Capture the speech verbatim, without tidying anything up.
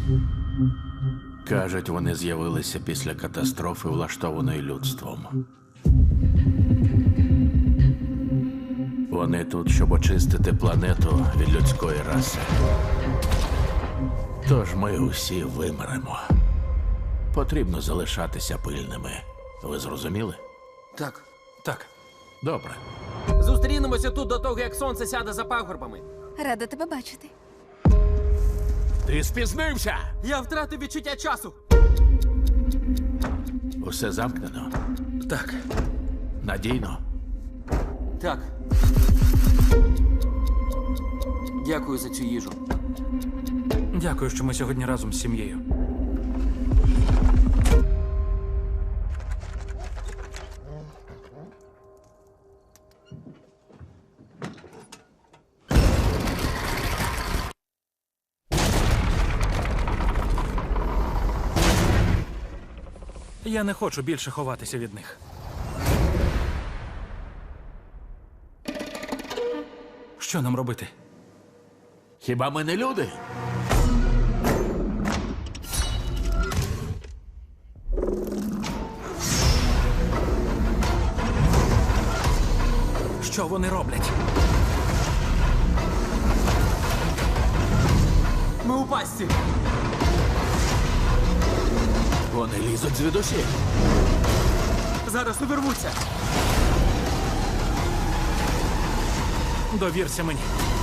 Кажуть, вони з'явилися після катастрофи, влаштованої людством. Вони тут, щоб очистити планету від людської раси. Тож ми усі вимремо. Потрібно залишатися пильними. Ви зрозуміли? Так. Так. Добре. Зустрінемося тут до того, як сонце сяде за пагорбами. Рада тебе бачити. Ти спізнився! Я втратив відчуття часу. Усе замкнено. Так. Надійно. Так. Дякую за цю їжу. Дякую, що ми сьогодні разом з сім'єю. Я не хочу більше ховатися від них. Що нам робити? Хіба ми не люди? Що вони роблять? Ми у пастці. Вони лізуть звідусіль. Зараз увірвуться. Довірся мені.